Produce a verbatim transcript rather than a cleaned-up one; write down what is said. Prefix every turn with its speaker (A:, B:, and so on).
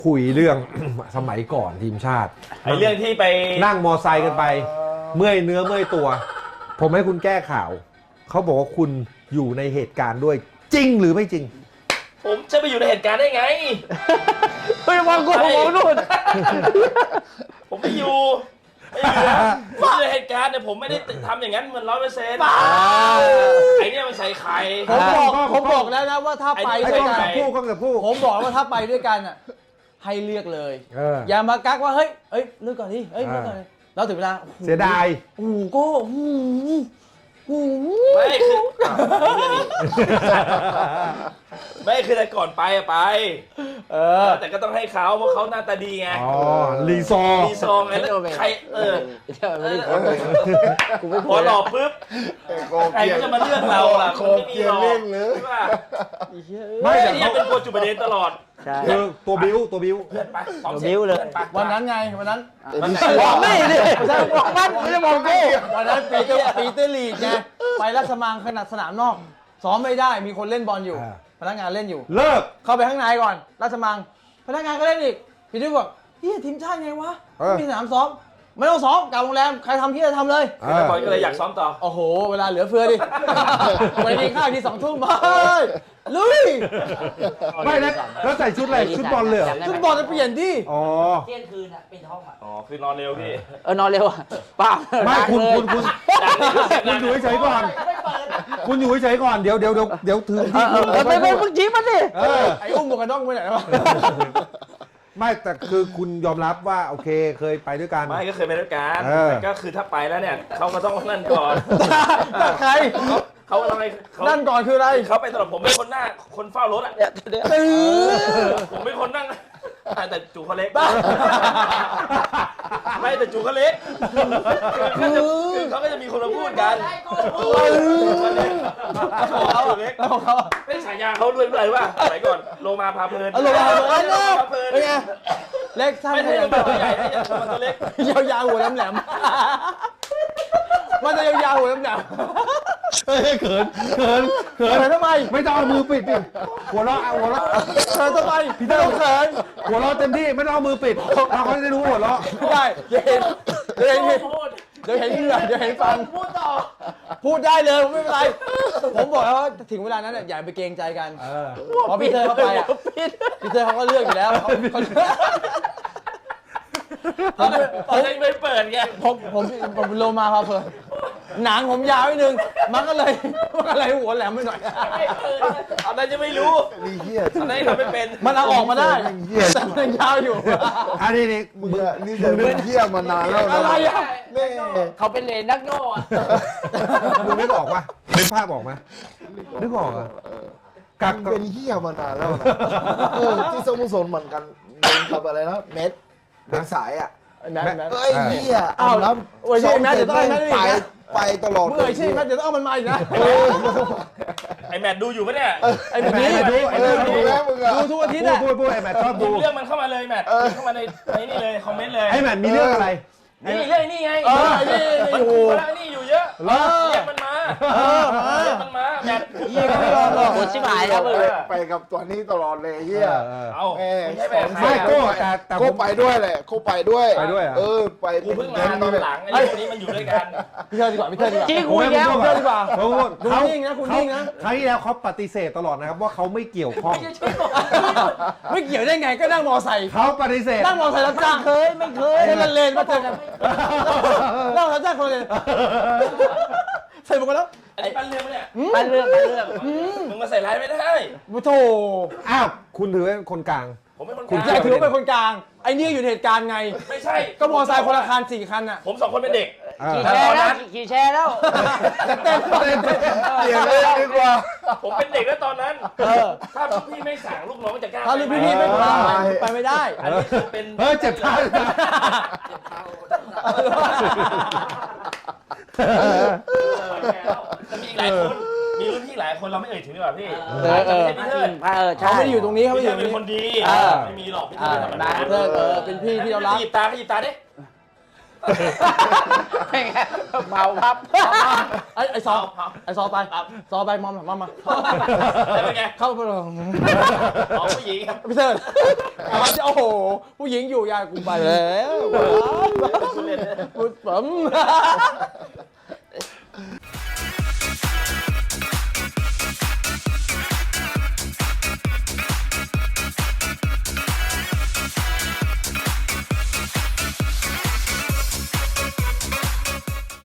A: คุยเรื่อง สมัยก่อนทีมชาติ
B: ไอ้เรื่องที่ไป
A: นั่งมอไซค์กันไป เมื่อยเนื้อเมื่อยตัว ผมให้คุณแก้ข่าว เขาบอกว่าคุณอยู่ในเหตุการณ์ด้วยจริงหรือไม่จริง
B: ผมจะไปอยู่ในเหตุการณ์ได้ไง
C: เฮ้ยมองกูมองนู่น
B: ผมไม่อยู่ไม่อยู่นะผมอยู่ในเหตุการณ์เนี่ยผมไม่ได้ทำอย่างนั้นมันร้อยเปอร์เซ็นต์ไอ้เนี่ยมันใส่ไข่
C: ผมบอกผมบอกแล้วนะว่าถ้าไป
A: ไอ้
C: ด้วย
A: กล้อง
C: กัน
A: กับคู่กล้องกับคู่
C: ผมบอกว่าถ้าไปด้วยกันอ่ะให้เลือกเลย
A: เออ
C: อย่ามากักว่าเฮ้ยเอ้ยเลือกก่อนดิเอ้ยเลือกก่อนดิแล้วถึงเวลา
A: เสียดาย
C: โอ้โหโก้โอ้โหโอ้โห
B: ไม่คือไม่คือแต่ก่อนไปอะไป
C: เออ
B: แต่ก็ต้องให้เขาเพราะเขาหน้าตาดีไง
A: อ๋อรีซอร์
B: มีซองไงแล้วใครเออ
C: กูไม่
B: พ
C: พู
B: อ
C: ด
B: หลอกปุ๊บใครก็จะมาเลือกเราล่ะมันไม่มีหรอกใช่ป่ะ
A: ไม่
B: ไอ้
A: แต่
B: เนี่ย
A: เขา
B: เป็นตัวจุดประเด็นตลอด
C: ใช่
A: คือตัวบิ้วตัวบิ้ว
B: เพื่อนไปซ้อม
C: เดี๋ยวบิ้วเลย
B: พื่อนไป
C: วันนั้นไงวันนั้น
B: วันไหน
C: มองไม่ดิไม่ใช่มองมันไม่ได้มองกูวันนั้นปีเตอร์ปีเตอร์ลีกไงไปราชมังขนาดสนามนอกซ้อมไม่ได้มีคนเล่นบอลอยู่พนักงานเล่นอยู่
A: เลิก
C: เข้าไปข้างในก่อนราชมังพนักงานก็เล่นอีกพี่ดิวบอกเฮียทีมชาติไงวะไม่มีสนามซ้อมไม่ต้องซ้อมกลับโรงแรมใครทำที่จะทำเลย
A: เออ
B: บอลก็เลยอยากซ้อมต่อ
C: โอ้โหเวลาเหลือเฟือดิไปกินข้าวที่สองทุ่มเฮ้ยลุย
A: ไม่นะแล้วใส่ชุดอะไรชุดบอลเลยเหรอ
C: ชุดบอลจะเปลี่ยนที่
A: อ๋อ
D: เที่ยงคืนอ่ะเป็นห้องอ่ะ
B: อ๋อคือนอนเร็วพี่
D: เออนอนเร็วอ่ะป้า
A: ไม่คุณคุณคุณคุณอยู่เฉยๆก่อน
D: ไม่เปิด
A: คุณอยู่เฉยๆก่อนเดี๋ยวเดี๋ยวเดี๋ยวเดี๋ยวถือ
D: เอ
A: ที่
D: อเออเออไม่ไม่มึงจี้มันดิ
A: เออ
C: ไอ้อุ้มหมวกกันน็อกไปไหนวะ
A: ไม่แต่คือคุณยอมรับว่าโอเคเคยไปด้วยกัน
B: ไม่ก็เคยไปด้วยกัน
A: เออ
B: แต่ก็คือถ้าไปแล้วเนี่ยเขาก็ต้องนั่นก่อน
C: ใคร
B: เขาต้องให้เขา
C: นั่นก่อนคืออะไร
B: เขาไปตลอดผมเป็นคนหน้าคนเฝ้ารถอ่ะ
C: ตื้อ
B: ผมเป็นคนนั่งอ่ะแต่จูเขาเล็กไม่แต่จูเขาเล็กคือเขาจะคือเขาก็จะมีคนมาพูดกันเขาเล็กเขาเล็ก
C: แล้วของเขา
B: เป็นฉายาเขาด้วยด้วยว่าสมัยก่อนโลมาพาเพลิน
C: เอาลงมาเออ
B: โลมาพาเพลิน
C: เป็นไงเล็กสั้น
B: ไม่
C: ข
B: ใช่
C: ยัน
B: ตัวใหญ่ไม่ใช่ตัวเล็ก
C: ยาวๆหัวแหลมๆมันจะยาวๆหัวแหลม
A: เฮ้ยเขินเขิน
C: ๆ
A: เขิ
C: เขิ
A: น
C: นทำไม
A: ไม่ต้องเอามือปิดดิหัวเราะเอาหัวเราะ
C: เขินทำไมพี่เต้าเขิน
A: หัวเราะเต็มที่ไม่ต้องเอามือปิดเราเขาจะได้รู้หัวเราะ
C: ไม่ได้เดี๋ยวเห็นเดี๋ยวเห็นเดี๋ยวเห็นเหงื่อเดี๋ยวเห็นฟัน
D: พูดต่อ
C: พูดได้เลยผมไม่เป็นไร ผมบอกแล้วว่าถึงเวลานั้นเนี่ยอย่าไปเกรงใจกัน
A: เออ
C: เพราะพี่เธอเข้าไปอ่ะพี่เธอเขาก็เลือกอยู่แล้วเขาเขา
B: ตอนนั้นตอนนั้นไม่เปิดไง
C: ผมผมผมโลมาพาเพลินหนังผมยาวนิดนึงมันก็เลยมันก็เลยหัวแหลมไปหน่อย
B: ตอนนั้นยังไม่รู้
E: นี่เหี้ย
B: ตอนนั้นยังทำไม่เป็น
C: มันเอาออกมาได้
E: เหี้ย
C: แต่มันยาวอยู่
A: อันนี้นี่
E: มึงอะนี่จะเป็นเหี้ยมานานแล้วนะ
C: อะไรอ่ะ
E: แม่
D: เขาเป็นเลนนักโง่อะ
A: มึงนึกออกปะนึกภาพออกไหมนึกออกอะกัก
E: มึงเป็นเหี้ยมานานแล้วนะเออที่สโมุสรเหมือนกันโดนกับอะไรนะเม็ดเม็ดสายอ่ะ
C: แมทแมท
E: เอ้ยเหี้ย
C: อ้าว
E: น้
C: โอ้ยใช่แมทเดี๋ยวต้องให้แมทอีก
E: ไป
C: นะ
E: ไปตลอด
C: เมื่อไหร่ใช่แมทเดี๋ยวต้องเอามันมาอีกนะ
E: เออ
B: ไอแมทดูอยู่ปะเนี่ย
C: ไอ้แบบนี้
A: ไอ้ดูไอ้
E: เอ
A: ดู
E: อดูแล้วมึงอะ
C: ดูทุกอาทิตย์
A: พูด
C: อ่ะ
A: พูดพูดไอ้แมทชอบ
B: ดู
A: ดู
B: เรื่องมันเข้ามาเลยแมทเข้ามาในในนี่เลยคอมเมนต์เลย
A: ไอ้แมทมีเรื่องอะไร
B: นี่เรื่องนี่ไง
C: เออไอ้นี่
B: มัน
C: โอ้โห
B: กูแล้วนี่อยู่เยอะ
A: เหรอ
B: เรียกมันมา
C: เออ
B: เรียกมันมาแมท
C: เยี่ยไม่ยอมหรอก
D: ปวดชิบหายแล้วมึง
E: ไปกับตัวนี้ตลอดเลยเหี้ย
A: เออ
B: เอา
E: แม่
B: ไม่ใช่แมท
A: ไม่โก้แต่แต่ผ
E: ก็
A: ม
E: ไปด้วยแหละก็ไปด้วย
A: ไปด้วยเหรอ
E: เออไป
B: กูเพิ่งมาตอนหลังไอ้คนนี้มันอยู่ด้วยกัน
C: พี่เธอดีกว่าพี่เธอดีกว่า
D: จี้
A: ผม
D: กู
A: ไม่
D: อีกแล้ว
A: พูด
C: เชื่อดีกว่า
A: ผมพูด
C: คุณ
A: เขา
C: นิ่งนะคุณนิ่งนะ
A: ครั้งที่แล้วเขาปฏิเสธตลอดนะครับว่าเขาไม่เกี่ยวข้อง
C: ไม่เกี่ยวได้ไงก็นั่งมอไซค์
A: เขาปฏิเสธ
C: นั่งมอไซค์รับจ้าง
D: เคยไม่เคย
C: คนละเลนมาเจอกันนั่งรับจ้างคนละเลนใส่หมวกกันแล้ว
B: อันนี้ปั้นเรื่องปะเนี่ย
D: ไปเรื่องไปเรื่อง
B: มึงมาใส่ร้ายไม่ได้
C: โอ้โถ
A: อ้าวคุณถือเป็นคนกลาง
B: ผมเป็นคน
A: คุณ
B: ก
C: ใช่
B: ลาง
C: ถือว่าเป็นคนกลาง ไอ้นี่อยู่ในเหตุการณ์ไง
B: ไม่ใช่
C: ก็มอไซค์คนละคันสี่คันอ่ะ
B: ผมสองคนเป็นเด็ก
D: ขี่แชร์แล้วขี่แชร์แล้ว
C: เต้นเต้น
E: เปลี่ยนเลยดีกว่า
B: ผมเป็นเด็กแล้วตอนนั้น
C: เออ
B: ถ้าพี่ไม่สั่งลูกน้องจะกล้า
C: ถ้าลูกพี่ๆไม่พาไปไม่ได้
B: อันนี้คือเป็น
A: เฮ้ยเจ็บเท้า
B: จะมีอีกหลายคนมีรุ่นพี่หลายคนเราไม่เอ่ยถึงดีกว่าพี่
D: เออเออ
B: พี่เทิด
D: เออใช่
C: เขาไม่ได้อยู่ตรงนี้เขาไม่
B: พี่
C: ได้อ
B: เทิด
C: ยู่ตรงนี้
B: เป็นคนดี
C: เออ
B: ไม่มีหรอกพี่
D: เอ
B: เทิด
D: อ
B: เป็นธรรม
D: นะ
B: ดา
C: เธอเออเป็นพี่ที่เรารัก
B: หยิบตาขยิบตาดิ
D: เป็นไงเมาพับ
C: ไอ้ไอ้ซอไอ้ซอไปซอไปมอมมามา
B: แล้วเป็นไง
C: เข้าไปเลย
B: อ๋อผู้หญิงครับ
C: พี่เสิร์ชโอ้โหผู้หญิงอยู่ยายกูไปแล้ว
B: คุณเล่น
C: พูดผม